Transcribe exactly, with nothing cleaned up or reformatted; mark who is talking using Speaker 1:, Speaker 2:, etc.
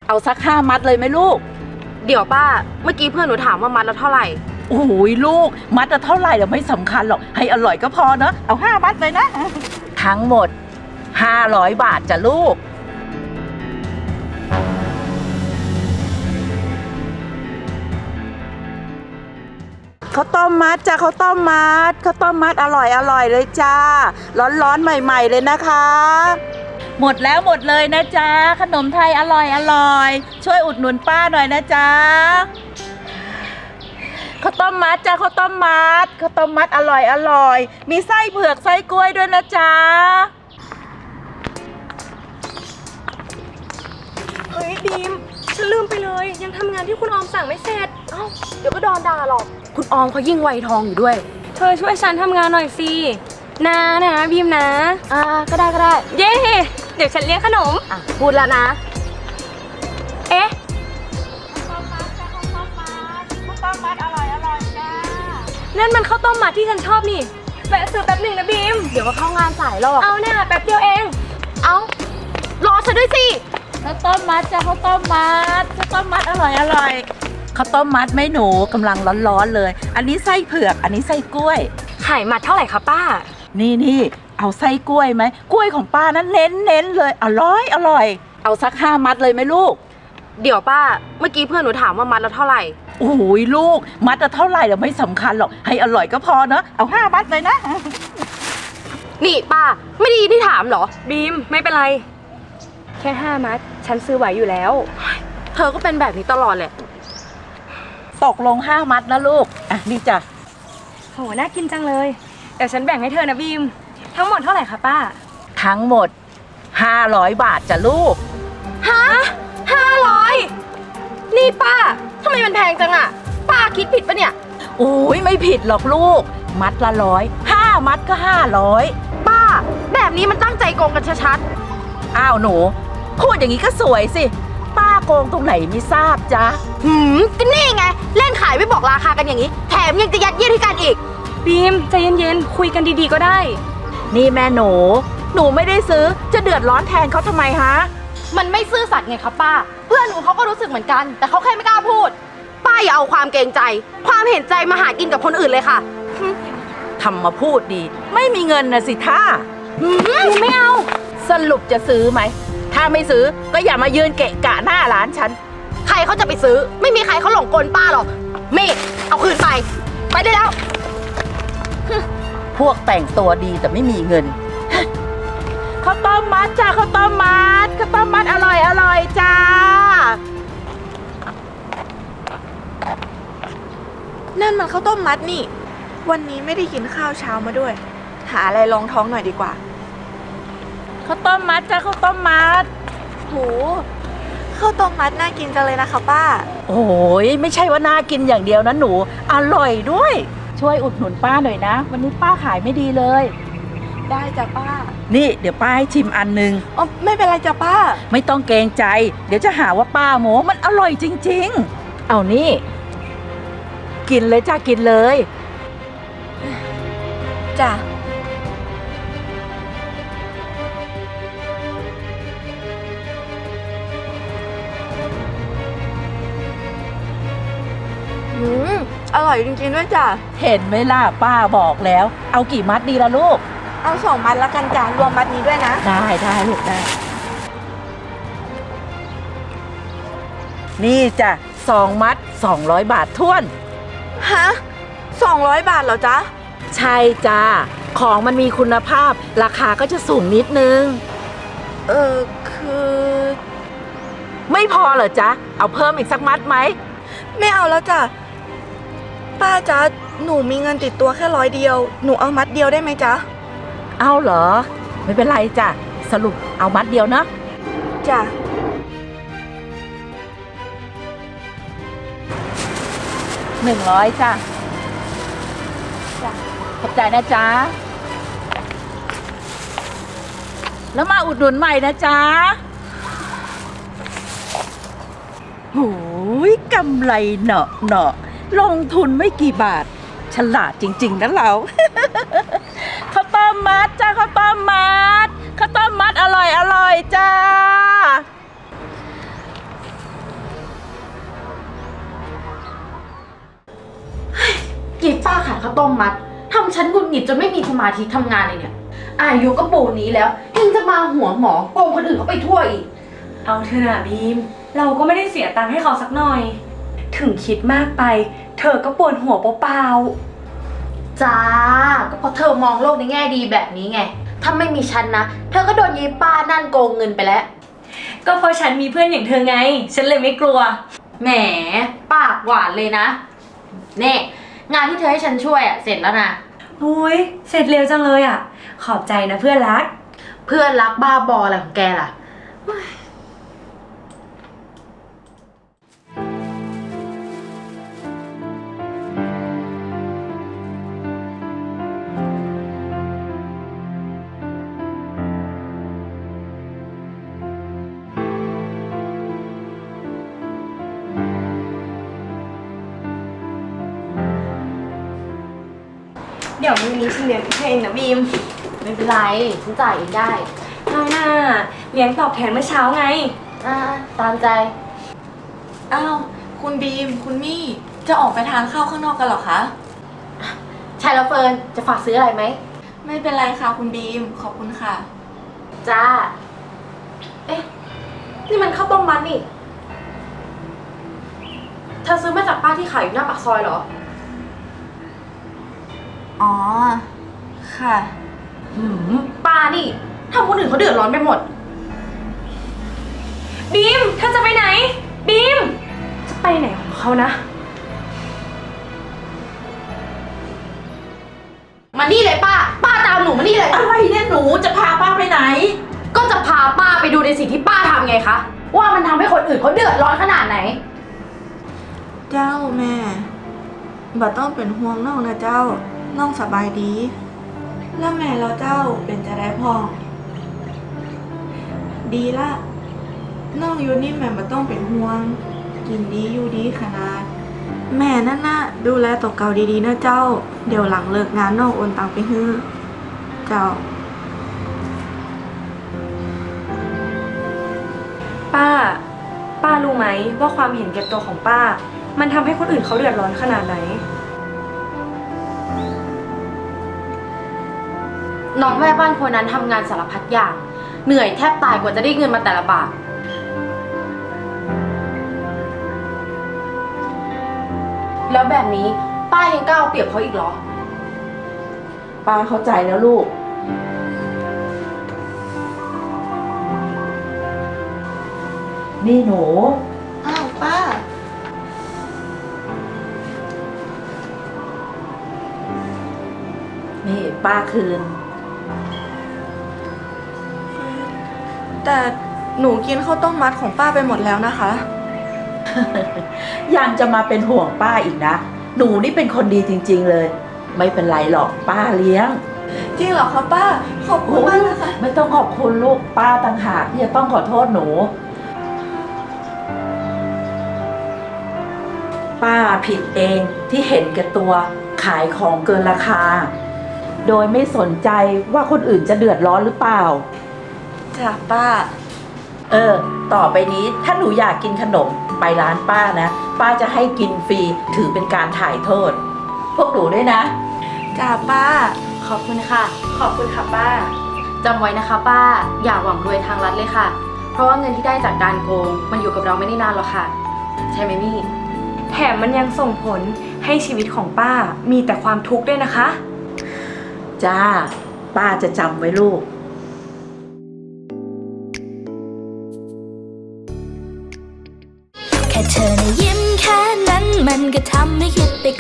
Speaker 1: เอาสักห้ามัดเลยไหมลูก
Speaker 2: เดี๋ยวป้าเมื่อกี้เพื่อนหนูถามว่ามัดละเท่าไหร่
Speaker 1: โอ้ยลูกมัดละเท่าไหร่เราไม่สำคัญหรอกให้อร่อยก็พอเนอะเอาห้ามัดเลยนะทั้งหมดห้าร้อยบาทจ้ะลูกข้าวต้มมัดจ้าข้าวต้มมัดข้าวต้มมัดอร่อยอร่อยเลยจ้าร้อนๆใหม่ๆเลยนะคะหมดแล้วหมดเลยนะจ๊ะขนมไทยอร่อยอร่อยช่วยอุดหนุนป้าหน่อยนะจ๊ะข้าวต้มมัดจ้าข้าวต้มมัดข้าวต้มมัดอร่อยอร่อยมีไส้เผือกไส้กล้วยด้วยนะจ๊ะ
Speaker 2: เฮ้ยบีมฉันลืมไปเลยยังทำงานที่คุณออมสั่งไม่เสร็จเอ้าเดี๋ยวก็โดนด่าหรอกคุณออมเขายิ่งไวทองอยู่ด้วยเธอช่วยฉันทำงานหน่อยสินะนะบีมนะอ่าก็ได้ก็ได้เย้เดี๋ยวฉันเลี้ยงขนมอ่ะพูดแล้วนะเอ๊ะข้าวต้มมัดจ้าข้าวต้มมัดข้าวต้มมัดอร่อยอร่อยจ้านั่นมันข้าวต้มมัดที่ฉันชอบนี่แวะซื้อแป๊บหนึ่งนะบีมเดี๋ยวก็เข้างานสายหรอกเอาเนี่ยแป๊บเดียวเองเอารอฉันด้วยสิ
Speaker 1: ข้าวต้มมัดจ้าข้าวต้มมัดข้าวต้มมัดอร่อยอร่อยข้าวต้มมัดไหมหนูกำลังร้อนๆเลยอันนี้ไส้เผือกอันนี้ไส้กล้วย
Speaker 2: ขายมัดเท่าไหร่คะป้า
Speaker 1: นี่นี่เอาไส้กล้วยไหมกล้วยของป้านั้นเน้นเน้นเลยอร่อยอร่อยเอาสักห้ามัดเลยไหมลูก
Speaker 2: เดี๋ยวป้าเมื่อกี้เพื่อนหนูถามว่ามัดละเท่าไหร่
Speaker 1: โอ้ยลูกมัดละเท่าไหร่เราไม่สำคัญหรอกให้อร่อยก็พอเนอะเอาห้ามัดเลยนะ
Speaker 2: นี่ป้าไม่ดีที่ถามเหรอบีมไม่เป็นไรแค่ห้ามัดฉันซื้อไหวอยู่แล้วเธอก็เป็นแบบนี้ตลอดแหละ
Speaker 1: ตกลงห้ามัดนะลูกอ่ะนี่จ้ะ
Speaker 2: โหน่ากินจังเลยเดี๋ยวฉันแบ่งให้เธอนะบีมทั้งหมดเท่าไหร่คะป้า
Speaker 1: ทั้งหมดห้าร้อยบาทจ้ะลูก
Speaker 2: ฮะห้าร้อยนี่ป้าทำไมมันแพงจังอะป้าคิดผิดปะเนี่ย
Speaker 1: โอ้ยไม่ผิดหรอกลูกมัดละร้อยห้ามัดก็ห้าร้อย
Speaker 2: ป้าแบบนี้มันตั้งใจโกงกันชัด
Speaker 1: ๆอ้าวหนูพูดอย่างนี้ก็สวยสิป้าโกงตรงไหนไม่ทราบจ๊ะ
Speaker 2: หืมก็นี่ไงเล่นขายไม่บอกราคากันอย่างนี้แถมยังจะยัดเยียดให้กันอีกบีมใจเย็นๆคุยกันดีๆก็ได้
Speaker 1: นี่แม่หนูหนูไม่ได้ซื้อจะเดือดร้อนแทนเขาทำไมฮะ
Speaker 2: มันไม่ซื่อสัตย์ไงครับป้าเพื่อนหนูเขาก็รู้สึกเหมือนกันแต่เขาแค่ไม่กล้าพูดป้าอย่าเอาความเกรงใจความเห็นใจมาหากินกับคนอื่นเลยค่ะ
Speaker 1: ทำมาพูดดีไม่มีเงินนะสิท่า
Speaker 2: ไม่เอา
Speaker 1: สรุปจะซื้อไหมถ้าไม่ซื้อก็อย่ามายืนเกะกะหน้าร้านฉัน
Speaker 2: ใครเขาจะไปซื้อไม่มีใครเขาหลงกลป้าหรอกเมฆเอาคืนไปไปได้แล้ว
Speaker 1: พวกแต่งตัวดีแต่ไม่มีเงินข้าวต้มมัดจ้าข้าวต้มมัดข้าวต้มมัดอร่อยอร่อยจ้า
Speaker 3: นั่นมันข้าวต้มมัดนี่วันนี้ไม่ได้กินข้าวเช้ามาด้วยหาอะไรรองท้องหน่อยดีกว่า
Speaker 1: ข้าวต้มมัดจ้าข้าวต้มมัด
Speaker 3: โหข้าวต้มมัดน่ากินจังเลยนะคะป้า
Speaker 1: โอ้ยไม่ใช่ว่าน่ากินอย่างเดียวนะหนูอร่อยด้วยช่วยอุดหนุนป้าหน่อยนะวันนี้ป้าขายไม่ดีเลย
Speaker 3: ได้จ้ะป้า
Speaker 1: นี่เดี๋ยวป้าให้ชิมอันนึง
Speaker 3: อ๋อไม่เป็นไรจ้ะป้า
Speaker 1: ไม่ต้องเกรงใจเดี๋ยวจะหาว่าป้าโม้มันอร่อยจริงๆเอานี่กินเลยจ้ากินเลย
Speaker 3: จ้ะอืมอร่อยจริงๆด้วยจ้ะ
Speaker 1: เห็นไหมล่ะป้าบอกแล้วเอากี่มัดดีล่ะลูก
Speaker 3: เอาสองมัดแล้วกันจ้ะรวมมัดนี้ด้วยนะ
Speaker 1: ได้ได้ลูกได้นี่จ้ะสองมัดสองร้อยบาทท้วน
Speaker 3: ฮะสองร้อยบาทเหรอจ๊ะ
Speaker 1: ใช่จ้าของมันมีคุณภาพราคาก็จะสูงนิดนึง
Speaker 3: เออคือ
Speaker 1: ไม่พอเหรอจ๊ะเอาเพิ่มอีกสักมัดไหม
Speaker 3: ไม่เอาแล้วจ้ะป้าจ๊ะหนูมีเงินติดตัวแค่ร้อยเดียวหนูเอามัดเดียวได้ไหมจ๊ะ
Speaker 1: เอาเหรอไม่เป็นไรจ้ะสรุปเอามัดเดียวนะ
Speaker 3: จ้ะ
Speaker 1: หนึ่งร้อยจ้ะจ้ะขอบใจนะจ๊ะแล้วมาอุดหนุนใหม่นะจ๊ะโหยกำไรเนาะเนาะลงทุนไม่กี่บาทฉลาดจริงๆนะเราข้าวต้มมัดจ้าข้าวต้มมัดข้าวต้มมัดอร่อยอร่อยจ้า
Speaker 4: ข้าวต้มมัดทำฉันหงุดหงิดจนไม่มีสมาธิทำงานเลยเนี่ยอายุก็ปูนนี้แล้วยังจะมาหัวหมอโกงคนอื่นเขาไปทั่วอีก
Speaker 2: เอาเถอะนะบีม เราก็ไม่ได้เสียตังค์ให้เขาสักหน่อย ถึงคิดมากไป เธอก็ปวดหัวเปล่า
Speaker 4: จ้าก็เพราะเธอมองโลกในแง่ดีแบบนี้ไงถ้าไม่มีฉันนะเธอก็โดนยีป้านั่นโกงเงินไปแล้ว
Speaker 2: ๆก็เพราะฉันมีเพื่อนอย่างเธอไง ฉันเลยไม่กลัว
Speaker 4: แหมปากหวานเลยนะเน่งานที่เธอให้ฉันช่วยอะเสร็จแล้วนะ
Speaker 2: โอ้ยเสร็จเร็วจังเลยอ่ะ ขอบใจนะเพื่อนรัก
Speaker 4: เพื่อนรักบ้าบออะไรของแกล่ะ
Speaker 2: เดี๋ยวมื้อนี้ฉันเลี้ยงเองนะบีม
Speaker 4: ไม่เป็นไรฉันจ่ายเองได้
Speaker 2: เอาหน้าเลี้ยงตอบแทนเมื่อเช้าไง
Speaker 4: อ่าตามใจ
Speaker 3: อ้าว คุณบีม คุณมี่ จะออกไปทานข้าวข้างนอกกันเหรอคะ
Speaker 4: ใช่แล้วเฟิร์นจะฝากซื้ออะไรไหม
Speaker 3: ไม่เป็นไรค่ะคุณบีม ขอบคุณค่ะ
Speaker 4: จ้า เอ๊ะ นี่มันข้าวต้มมัดนี่ เธอซื้อมาจากป้าที่ขายอยู่หน้าปากซอยเหรอ
Speaker 3: อ๋อ ค่ะ
Speaker 4: หืมป้านี่ทำคนอื่นเขาเดือดร้อนไปหมด
Speaker 2: บีมเธอจะไปไหน บีม จะไปไหนของเขานะ
Speaker 4: มานี่เลยป้า ป้าตามหนูมานี่เลย
Speaker 1: อะไรเนี่ยหนูจะพาป้าไปไหน
Speaker 4: ก็จะพาป้าไปดูในสิ่งที่ป้าทำไงคะ ว่ามันทำให้คนอื่นเขาเดือดร้อนขนาดไหน
Speaker 3: เจ้าแม่บ่ต้องเป็นห่วงน้องนะเจ้า น้องสบายดี แล้วแม่เราเจ้าเป็นจะได้พ่อง ดีละน้องอยู่นี่แม่บ่ต้องเป็นห่วง กินดีอยู่ดีขนาด แม่นั่นน่ะดูแลตัวเก่าดีๆนะเจ้า เดี๋ยวหลังเลิกงานน้องโอนตังไปให้เจ้า
Speaker 2: ป้า ป้ารู้ไหมว่าความเห็นแก่ตัวของป้า มันทำให้คนอื่นเขาเดือดร้อนขนาดไหน
Speaker 4: น้องแม่บ้านคนนั้นทำงานสารพัดอย่าง เหนื่อยแทบตายกว่าจะได้เงินมาแต่ละบาท แล้วแบบนี้ป้ายังกล้าเอาเปรียบเขาอีกเหรอ
Speaker 1: ป้าเข้าใจแล้วลูก นี่หนู
Speaker 3: อ้าวป้า
Speaker 1: นี่ป้าคืน
Speaker 3: แต่หนูกินข้าวต้มมัดของป้าไปหมดแล้วนะคะ
Speaker 1: ยังจะมาเป็นห่วงป้าอีกนะ หนูนี่เป็นคนดีจริงๆเลย ไม่เป็นไรหรอกป้าเลี้ยง
Speaker 3: จริงเหรอคะป้า ขอบคุณมากนะคะ
Speaker 1: ไม่ต้องขอบคุณลูกป้าต่างหากที่จะต้องขอโทษหนู ป้าผิดเองที่เห็นแก่ตัวขายของเกินราคา โดยไม่สนใจว่าคนอื่นจะเดือดร้อนหรือเปล่า
Speaker 3: จ้ะป้า
Speaker 1: เออ ต่อไปนี้ถ้าหนูอยากกินขนมไปร้านป้านะ ป้าจะให้กินฟรีถือเป็นการถ่ายโทษ พวกหนูด้วยนะ
Speaker 3: จ้ะป้า
Speaker 4: ขอบคุณค่ะ
Speaker 2: ขอบคุณค่ะป้า
Speaker 4: จำไว้นะคะป้า อย่าหวังรวยทางลัดเลยค่ะ เพราะว่าเงินที่ได้จากการโกงมันอยู่กับเราไม่ได้นานหรอกค่ะ ใช่ไหมมี่
Speaker 2: แถมมันยังส่งผลให้ชีวิตของป้ามีแต่ความทุกข์ด้วยนะคะ
Speaker 1: จ้า ป้าจะจำไว้ลูก
Speaker 5: แค่เธอนะยิ้มแค่นั้นมันก็ทำให้คิดไป